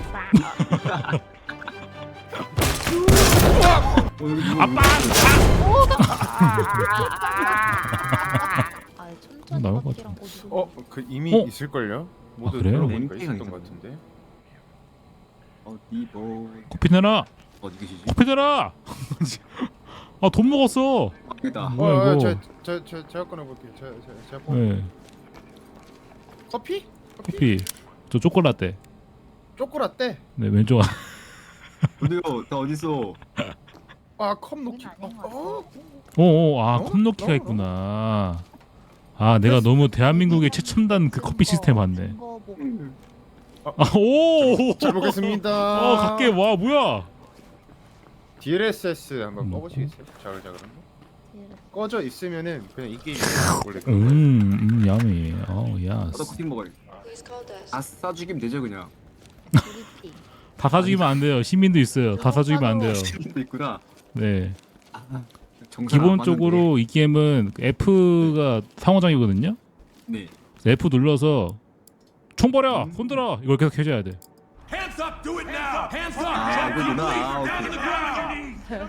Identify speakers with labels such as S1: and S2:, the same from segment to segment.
S1: 아빠! 나올 것 같아.
S2: 그 이미
S1: 어?
S2: 있을걸요? 모두
S1: 그래요?
S2: 눌러보니까
S3: 랭킹이
S2: 있었던 것
S3: 있었나?
S2: 같은데.
S3: 어디 뭐
S1: 커피 내놔!
S3: 어디 계시지?
S1: 커피 내놔! 아, 돈 먹었어!
S3: 여기다.
S1: 뭐야, 이거?
S2: 제가 꺼내볼게요. 제가 꺼.
S1: 네,
S2: 커피?
S1: 커피. 저 초콜라떼.
S2: 초코라떼.
S1: 네, 왼쪽.
S3: 근데요, 나 어딨어?
S2: 컵 놓기.
S1: 컵 넣기가 있구나. 아, 내가 너무 대한민국의 최첨단 그 커피 시스템 봤네.
S2: 잘 먹겠습니다.
S1: 갈게. 와, 뭐야?
S2: DLSS 한번 꺼보시겠어요? 자글자글한 거? 꺼져 있으면은 그냥 이 게임이 원래
S1: 야미.
S3: 나도
S1: 야스.
S3: 커피 먹어야겠다. 아싸 죽이면 되죠 그냥.
S1: 다 사주기면 안 돼요. 시민도 있어요. 다 사주기면 안 돼요.
S3: 시민도 있구나.
S1: 네.
S3: 정상 안
S1: 기본적으로 이 게임은 F가 상호작용이거든요.
S3: 맞는데. 네.
S1: F 눌러서 총 버려, 손들어 이걸 계속 해줘야 돼.
S4: Hands up, do it now. Hands up.
S3: 아, 그거구나. 아,
S4: Down to the
S3: 오케이.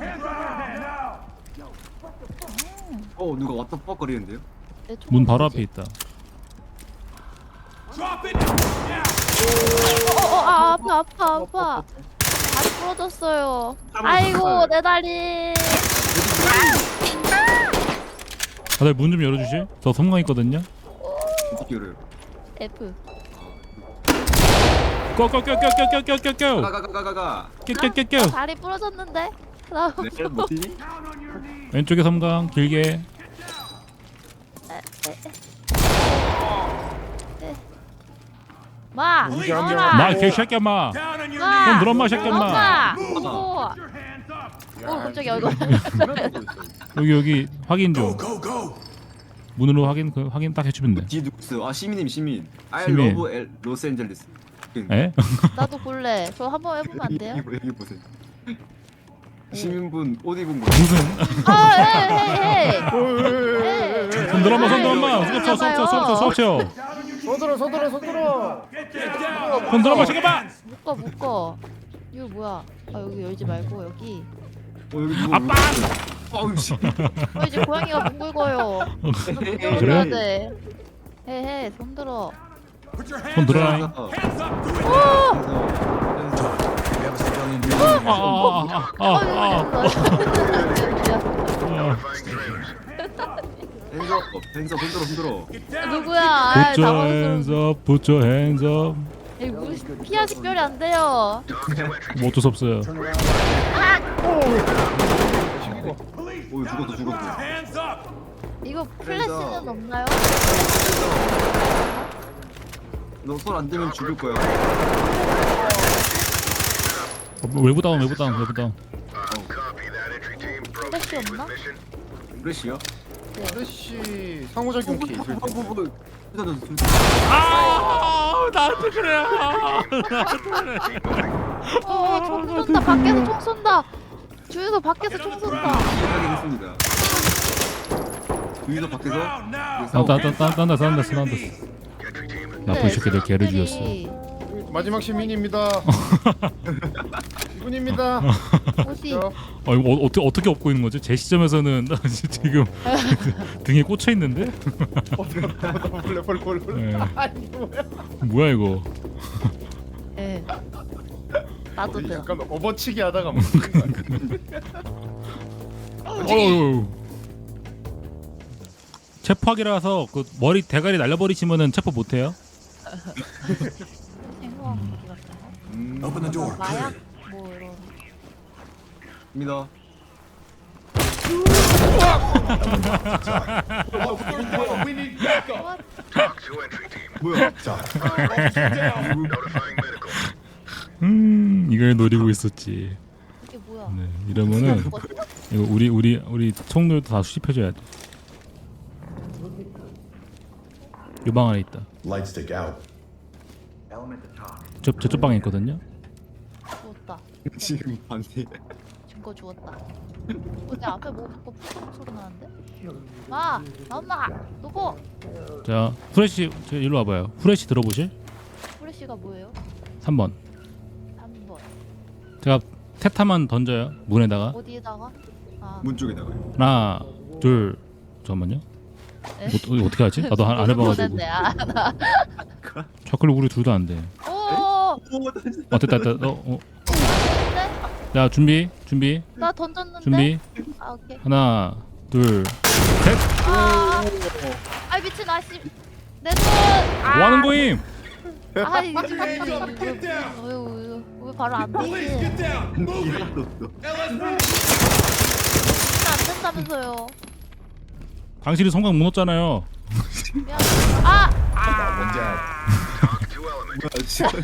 S4: ground.
S3: 누가 왔다 뻑 거리는데요?
S1: 문 바로 앞에 있다.
S4: Drop it.
S5: 아파. 다리 부러졌어요. 아이고 내 다리.
S1: 다들 문 좀 열어주실? 저 섬광 있거든요.
S3: 어떻게 열어요?
S5: F.
S1: 껴껴껴껴껴껴껴껴.
S3: 가가가가가.
S1: 껴껴껴껴.
S5: 다리 부러졌는데. 나
S3: 네, 뭐지?
S1: 왼쪽에 섬광 길게.
S5: 마.
S2: 문제 한
S5: 너라.
S1: 마 개새끼야 마.
S4: Down on your
S5: 마.
S1: 그럼 늘어 마 새끼야 마.
S5: 엄마.
S4: Move.
S5: 오.
S4: Put your hands up.
S5: 깜짝이야 이거.
S1: 여기 확인 좀.
S4: Go, go.
S1: 문으로 확인 딱 해주면 돼.
S3: 뒤에 누구 있어요? 아 시민님 시민. I
S1: 시민.
S3: love 로스앤젤레스.
S1: 에?
S5: 나도 볼래. 저 한번 해보면 안 돼요?
S3: 여기 보세요. 시민분 옷 입은 거.
S1: 무슨?
S5: 아, 헤이.
S1: 손 들어 마, 손 들어 마. 수업 쳐.
S2: 서들어.
S1: 손 들어 마, 새끼 마.
S5: 묶어. 이거 뭐야? 아 여기 열지 말고 여기.
S3: 여기 누구?
S1: 아빠!
S3: 아우 씨.
S5: 이제 고양이가 뭉글거려.
S1: 그래?
S5: 그래야 돼. 헤헤 손 들어.
S4: Put your
S1: 손
S4: hands
S1: 들어.
S4: up. Hands up. Do it.
S3: 벤서 흔들어.
S5: 누구야? 아,
S1: Put your hands up, put your hands up.
S5: 피하 식별이 안 돼요.
S1: 뭐 어쩔 수 없어요.
S3: 오 죽었어.
S4: Hands up.
S5: 이거 플래시는 없나요?
S3: 너 손 안 대면 죽을 거야.
S1: 외부 다운.
S5: 플래시 없나?
S3: 브레시야?
S2: 아저씨 상호작용 키 있을 때.
S1: 나한테 그래.
S5: 총 쏜다. 밖에서 총 쏜다. 주유소 밖에서 총 쏜다.
S3: 확인했습니다. 주위도 밖에서
S1: 딴다. 나쁜 새끼들 개를 죽였어.
S2: 마지막 시민입니다. 이분입니다.
S5: 어디?
S2: 저,
S1: 이거 어떻게 업고 있는 거지? 제 시점에서는 나 지금 등에 꽂혀 있는데?
S2: 벌레.
S1: 네.
S2: 아니 뭐야?
S1: 뭐야 이거?
S5: 예. 나도 돼.
S2: 약간 업어치기 하다가 뭐.
S1: 체포하기라서 그 머리 대가리 날려버리시면은 체포 못해요?
S5: 생소한 무기 같은 거.
S4: Open the door.
S5: 마약 뭐 이런.
S3: 입니다.
S2: We need backup.
S3: 뭐야?
S1: 이걸 노리고 있었지.
S5: 이게 뭐야?
S1: 네, 이러면은 이거 우리 총들도 다 수집해줘야 돼. 요 방 안에 있다.
S6: Light stick out.
S1: 저쪽 방에 있거든요.
S5: 죽었다.
S3: 지금 반대.
S5: 증거 죽었다. 내 앞에 뭐 자꾸 푸성 소리 나는데? 마! 엄마! 누구?
S1: 자, 후레쉬 저 일로 와봐요. 후레쉬 들어보실?
S5: 후레쉬가 뭐예요?
S1: 3번. 제가 테타만 던져요 문에다가.
S5: 어디에다가? 아,
S3: 문 쪽에다가.
S1: 하나 둘 잠깐만요. 어떻게 하지? 나도 안 해봐가지고.
S5: 모르겠네. 아, 나.
S1: 자클로 우리 둘 다 안 돼.
S5: 오,
S1: 됐다.
S5: 네?
S1: 야 준비.
S5: 나 던졌는데.
S1: 준비.
S5: 아, 오케이.
S1: 하나 둘 셋.
S5: 아, 미친 아씨. 내 손.
S1: 뭐 하는 거임?
S5: 아, 이거 좀
S4: Hands up and get down.
S5: 왜 바로 안
S4: Police,
S5: 되지?
S4: get down. Move it.
S3: 알았어.
S4: LSPD.
S5: 안 된다면서요.
S1: 당신이 성광 못 넣었잖아요.
S5: 미안. 아,
S3: 뭐야 지금.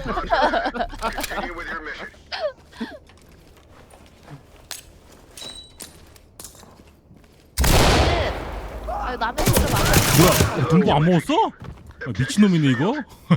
S5: 아, 남의 손을 맞아.
S1: 뭐야? 등보 안 먹었어? 미친놈이네 이거.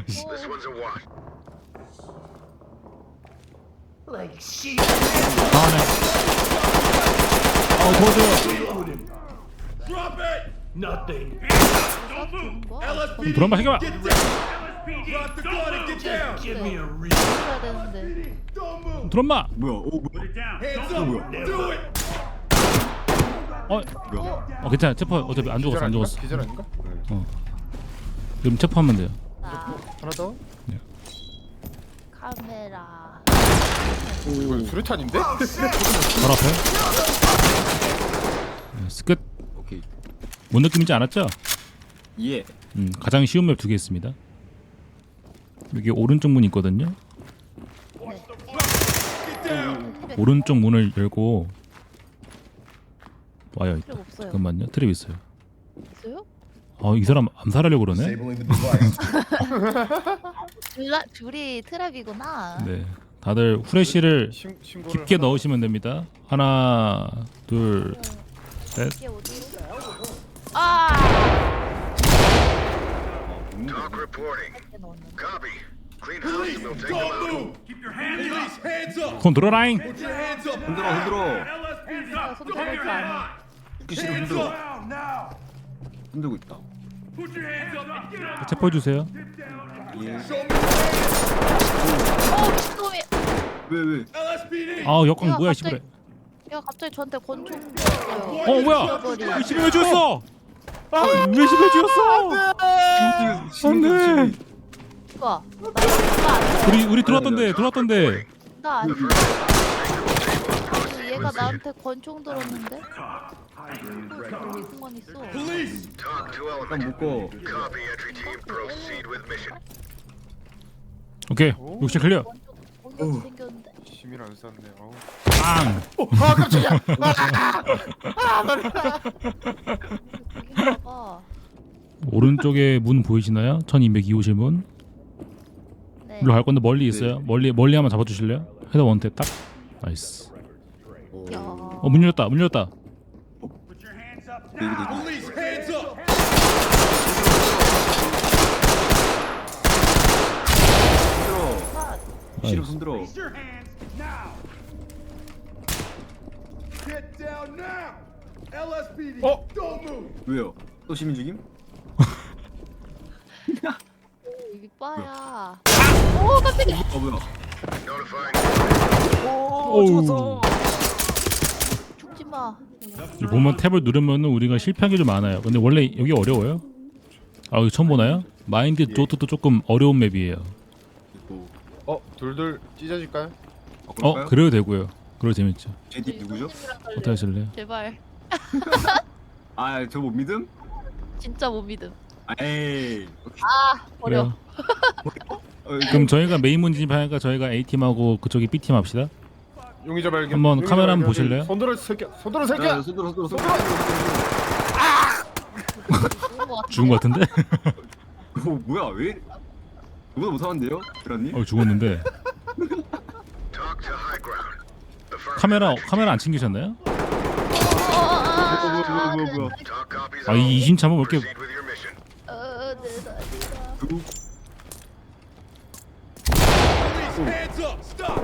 S1: 도와줘요.
S4: Drop it.
S6: Nothing.
S4: LSPD.
S1: 드라마 해결.
S4: Get down. Drop the gun and get down.
S6: Give me a reason.
S5: 해야 되는데.
S4: Don't move.
S1: 드라마.
S3: 뭐야? 오 뭐야?
S4: Hands up. Do it.
S3: 뭐야?
S1: 괜찮아. 체포 어차피 안 죽었어. 안 죽었어.
S2: 기절 아닌가?
S1: 그럼 체포하면 돼요.
S5: 자,
S2: 하나 더?
S5: 카메라.
S2: 이건 수류탄인데?
S1: 바로 앞에. 끝.
S3: 오케이.
S1: 뭔 느낌인지 알았죠?
S3: 예.
S1: 가장 쉬운 맵 2개 있습니다. 여기 오른쪽 문 있거든요. 오른쪽 문을 열고 와요. 있다.
S5: 필요 없어요.
S1: 잠깐만요. 트랩 있어요.
S5: 있어요?
S1: 이 사람 암살하려고 그러네.
S5: 줄이 트랩이구나.
S1: 네. 다들 후레쉬를
S2: 신고를
S1: 깊게 넣으시면 됩니다. 하나, 둘, 셋.
S5: 이게 어디로? 아!
S7: Talk reporting.
S5: 이렇게 넣었는데.
S7: Copy. Clean house and we'll take them
S4: Don't
S7: out.
S4: move. Keep your hands up. Police, hands up.
S1: 손 들어라잉.
S4: Put your hands up.
S3: 흔들어 흔들어.
S4: LSPD.
S5: 아, 손 들을 줄 아네.
S3: 듣기 싫어
S4: Hands
S3: 흔들어.
S4: up. Now.
S3: 흔들고 있다.
S4: Put your hands up and get out.
S1: 체포해 주세요.
S3: 예.
S4: Show me.
S5: 미친놈이.
S3: 왜?
S4: LSPD.
S1: 역광
S5: 야,
S1: 뭐야
S5: 갑자기-
S1: 씨발.
S5: 야, 갑자기 저한테 권총 줬어요.
S1: 뭐야?
S5: 죽여버리.
S1: 시비 왜 죽였어? 왜 시비 죽였어? 안돼.
S5: 누가? 나
S1: 우리 들어왔던데.
S5: 나 아니. 얘가 나한테 권총 들었는데? 무슨 있어?
S4: Police.
S7: Talk to
S3: 일단
S7: element.
S3: 묶어.
S7: Copy entry team. Proceed with mission.
S1: 오케이. 욕실 클리어.
S5: 권총 생겼는데.
S2: 심의를 안 쌌네.
S1: 빵.
S2: 아 깜짝이야.
S5: 여기다가
S1: 오른쪽에 문 보이시나요? 1202호실 문.
S5: 네.
S1: 일로 갈 건데 멀리 있어요. 멀리 한번 잡아 주실래요? 헤더 원태 딱. 나이스.
S5: 야.
S1: 문 열렸다.
S4: Put your hands up.
S3: 대기 대기.
S4: Police, hands up.
S3: 싫어
S1: 나이스.
S3: 흔들어.
S4: Raise your hands now. Get down now. LSPD. Don't move.
S3: 왜요? 또 시민 죽임?
S5: 윗바야. 오, 깜짝이야.
S3: 뭐야?
S7: Notifying.
S1: 오우.
S5: 죽지 마.
S1: 보면 탭을 누르면 우리가 실패한 게 좀 많아요. 근데 원래 여기 어려워요? 여기 처음 보나요? 마인드 조트도 조금 어려운 맵이에요.
S3: 이거
S2: 둘둘 찢어질까요?
S3: 그럴까요?
S1: 그래도 되고요. 그래도 재밌죠.
S3: 제디 누구죠?
S1: 어떻게 하실래요?
S5: 제발.
S3: 저 못 믿음?
S5: 진짜 못 믿음.
S3: 에이.
S5: 버려.
S1: 그래요. 그럼 저희가 메인 문 진입하니까 저희가 A팀하고 그쪽이 B팀 합시다.
S2: 용의자 발견.
S1: 한번
S2: 용의자
S1: 카메라 한번
S2: 발견.
S1: 보실래요?
S2: 손들어 새끼야. 손들어
S3: 야,
S2: 새끼야.
S3: 손들어.
S1: 죽은 것 같은데?
S3: 뭐야 왜? 이거보다 못하는데요, 그라님?
S1: 죽었는데.
S7: Talk to high ground.
S1: 카메라 안 챙기셨나요?
S3: 뭐야?
S7: Talk copies.
S1: 이 이심참은 왜 이렇게
S7: Proceed with your mission.
S5: 내
S3: 누구?
S4: Police, hands up. Stop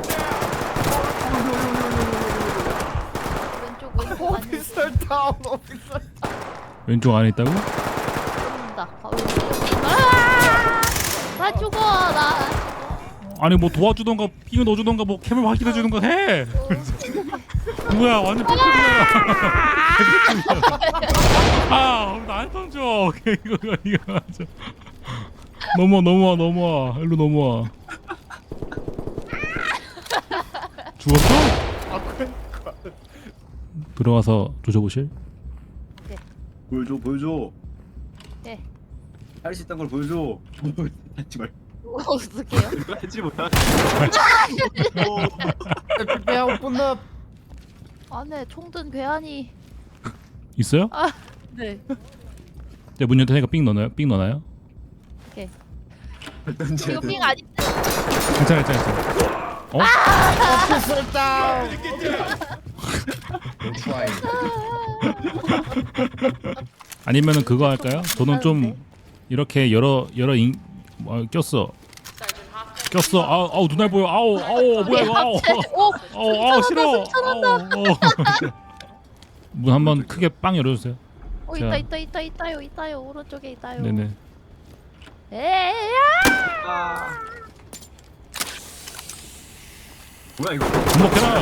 S4: now.
S5: 왼쪽 안에
S2: 오피셜 다운 오피셜.
S1: 왼쪽 안에 있다고?
S5: 죽는다. 나 죽어 나.
S1: 아니 뭐 도와주던가 삥을 넣어주던가 뭐 캡을 확인해주던가 해. 뭐야 완전 삐뚤이야. 아 나한테 던져. 이거 맞아. 넘어와 일로 넘어와. 죽었어?
S2: 아 그래.
S1: 들어와서 조져보실?
S3: 보여줘.
S5: 네.
S3: 할 수 있다는 걸 보여줘. 하지 말.
S5: 어떡해요?
S3: 하지 못하.
S2: 배하고 끝나.
S5: 안에 총든 괴한이.
S1: 있어요?
S5: 네.
S1: 네, 문 열테니까 삥 넣나요?
S5: 오케이.
S3: 던져야
S5: 이거
S3: 돼.
S5: 삥 아니?
S1: 괜찮아. 어?
S2: 쓸다.
S1: 아니면은 그거 할까요? 저는 좀 이렇게 여러 꼈어. 아우 눈알 보여. 아우 뭐야 이거. 아우 싫어. 문 한번 크게 빵 열어주세요. 자.
S5: 있다요. 오른쪽에 있다요.
S1: 네네.
S5: 에야!
S3: 아. 뭐야 이거?
S1: 주목해라.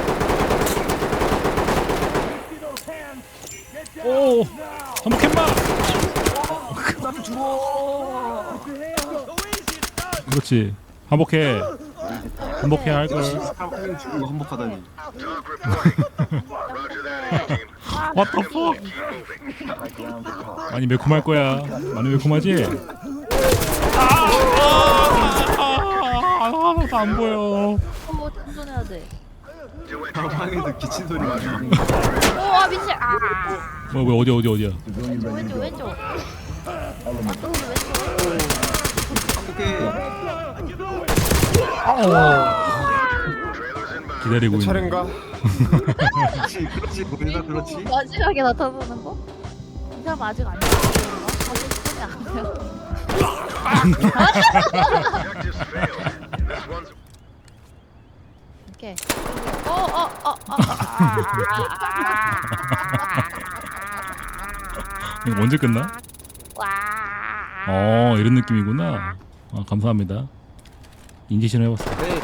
S1: 오 한복했마. 그렇지. 한복해 할 걸.
S3: 사람 죽은 거 한복하다니.
S7: Talk reporting. Roger that, entry team.
S1: What the fuck?
S7: Keep moving.
S1: 많이 매콤할 거야. 많이 매콤하지? 하나도 안 보여.
S5: 충전해야 돼.
S7: To entry team.
S3: 방에서 기침 소리가 나.
S5: 오, 미친.
S1: 뭐야 어디야?
S5: 왼쪽.
S3: 어떻게?
S7: Trailers inbound.
S1: 기다리고 있는.
S2: 차례인가?
S3: 그렇지 보인다 그렇지.
S5: 마지막에 나타나는 거? 이 사람 아직 안 나왔나? 아직 손이 안 돼요.
S7: Objectives failed. This one's
S5: 오케이.
S1: 이거 언제 끝나?
S5: 와.
S1: 이런 느낌이구나. 감사합니다. 인지신 해봤어.
S3: 네.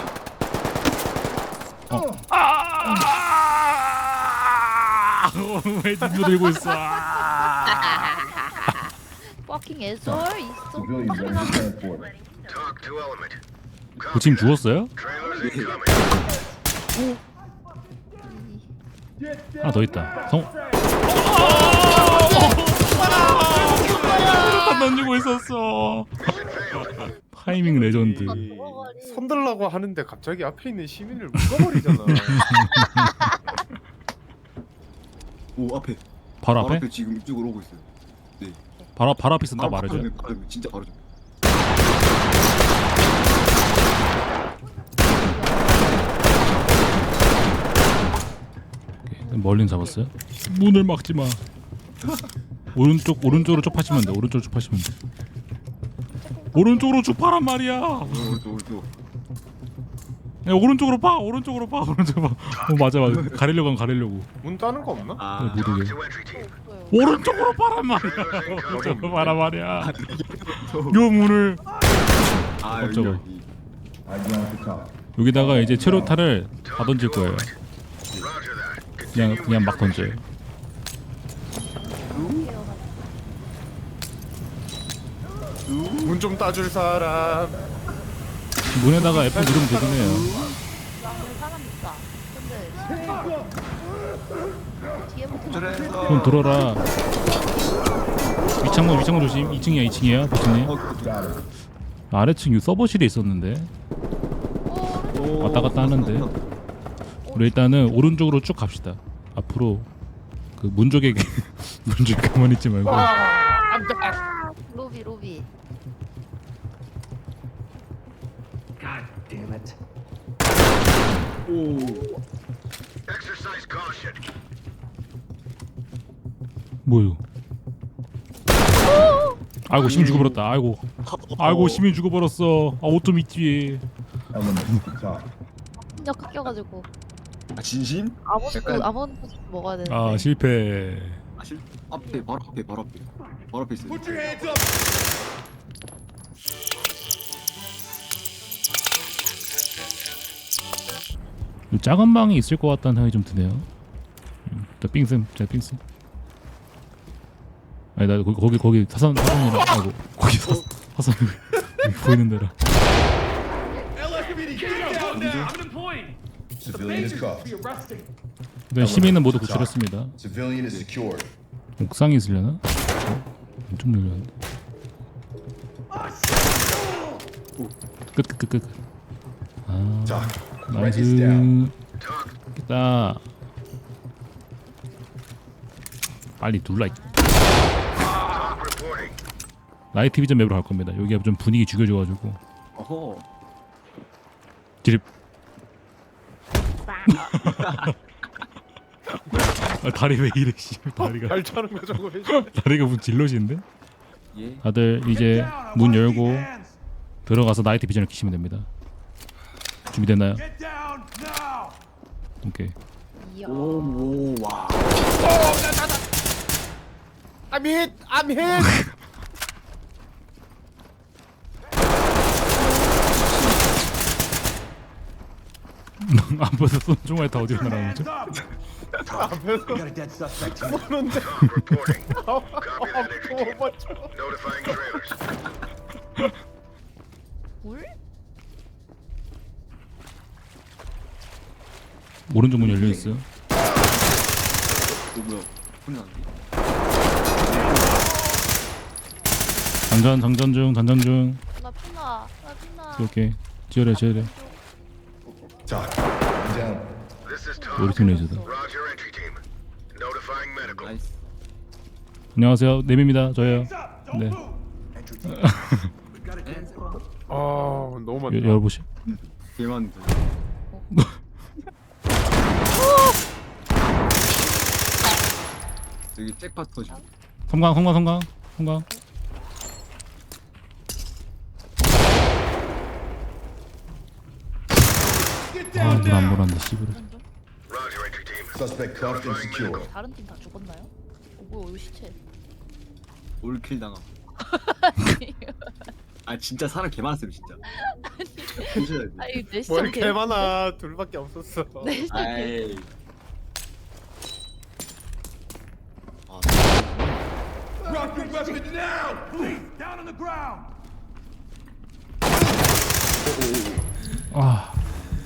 S1: 왜 눈물 들고 있어?
S5: fucking asshole 있어.
S7: talk to element.
S1: 그 지금 죽었어요?
S7: Trailers incoming.
S1: 하나 더 있다. 안 던지고 있었어. 타이밍 레전드.
S2: 손들라고 하는데 갑자기 앞에 있는 시민을 묶어버리잖아.
S3: 오 앞에.
S1: 바로 앞에?
S3: 지금 이쪽으로 오고 있어요. 네.
S1: 바로 앞에 있으면 딱 말해줘.
S3: 바로 진짜 바로 좀.
S1: 멀린 잡았어요? 문을 막지 마. 오른쪽으로 쭉 파시면 돼. 오른쪽으로 쭉 파시면 돼. 오른쪽으로 쭉 파란 말이야.
S3: 오른쪽.
S1: 야, 오른쪽으로 파. 맞아. 가리려고.
S2: 문 따는 거 없나?
S3: 아.
S1: 모르게.
S7: To entry team.
S1: 오른쪽으로 파란 말이야. 오른쪽으로 파란 말이야. 요 문을
S3: 아 여기
S1: 어쩌고.
S3: 여기.
S1: 여기다가 이제 체로타를 다 던질 거예요.
S7: Roger that.
S1: 그냥 막 던져요.
S2: 문 좀 따줄 사람.
S1: 문에다가 F 누르면 되긴 해요.
S5: 안에 사람 있다. 근데 뒤에부터
S3: 저래서.
S1: 그럼 들어라. 위창문 조심. 2층이야 보스님. 아래층 서버실에 있었는데 왔다 갔다 하는데. 우리 일단은 오른쪽으로 쭉 갑시다. 앞으로 그 문 쪽에 가만히 있지 말고.
S5: 로비.
S3: 오.
S7: Exercise caution.
S1: 뭐요? 아이고 시민 죽어버렸다. 아이고 시민 죽어버렸어. 옷 좀 입지.
S5: 진짜 깎여가지고
S3: 아 진심?
S5: 아몬드 먹어야 되는데.
S1: 실패.
S3: 아 실. 앞에 바로 앞에 있어요.
S4: Put your hands up.
S1: 이 작은 방이 있을 것 같다는 생각이 좀 드네요. 자 삥슴, 자 삥슴. 아니 나 거기 사선이라 하고 거기 사선 여기 보이는 데라.
S4: LSPD, get down now.
S6: Civilian is cuffed.
S4: Be arresting.
S1: 일단 시민은 모두 구출했습니다.
S6: Civilian is secured.
S1: 옥상에 있으려나? 좀 열렸는데. 끝. 아,
S6: Doc, write this down.
S1: 나이스. 됐다. 빨리 눌러.
S7: Talk reporting.
S1: 나이트 비전 맵으로 갈 겁니다. 여기가 좀 분위기 죽여줘가지고.
S3: 어허.
S1: 드립. 아, 다리 왜 이래 씨. 다리가
S2: 잘 차는 거 저거 왜
S1: 다리가 무슨 질럿인데?
S3: 예.
S1: 다들 이제 문 열고 들어가서 나이트 비전을 키시면 됩니다. 준비됐나요?
S4: Get down now.
S1: 오케이.
S5: 이야.
S3: 오, 와.
S2: I'm hit.
S1: 앞에서 쏜 총알 다 어디로 날아가는 거죠?
S4: We got a dead suspect.
S7: Talk reporting. Copy that, entry team.
S2: 맞죠?
S7: Notifying trailers.
S5: 물?
S1: 오른쪽 문 열려 있어요.
S3: 뭐야? 혼이 났는데?
S1: 장전 중.
S5: 나 피나.
S1: 오케이. 지혈해.
S6: Doc, one down.
S7: This is Talk.
S1: 우리 팀 레이저다.
S7: Roger, entry team. Notifying medical.
S3: 나이스.
S1: 안녕하세요. 네미입니다. 저예요. 네.
S2: 아 너무 많다.
S1: 열어보시.
S3: 개만. 여기 잭팟 터지.
S1: 성광.
S4: Get
S1: 아,
S4: down
S1: 눈안
S4: now.
S1: 보란다 씨부러.
S7: Roger, entry team.
S6: Suspect cuffed and secured.
S5: 다른 팀 다 죽었나요? 뭐야 이거 시체.
S3: 올킬 당함. 아 진짜 사람 개 많았어요 진짜. 진짜.
S5: 아 이거 내 시체.
S2: 뭘 이렇게 많아. 둘밖에 없었어.
S5: 내 시체.
S3: 아이. 아,
S4: Drop your weapons now, please. Down on the ground.
S1: 아.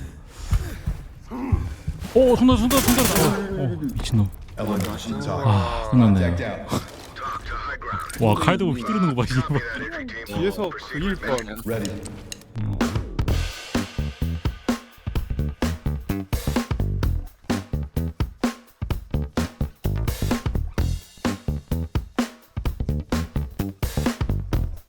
S1: 오, 손다. 미친놈.
S6: Element talk.
S1: 아, 끝났네.
S6: Contact down.
S7: Talk to high ground.
S1: 와, 칼 들고 휘두르는 거 봐,
S7: Copy
S1: 이거.
S7: that, entry team.
S2: 뒤에서 그일 뻔.
S6: Ready.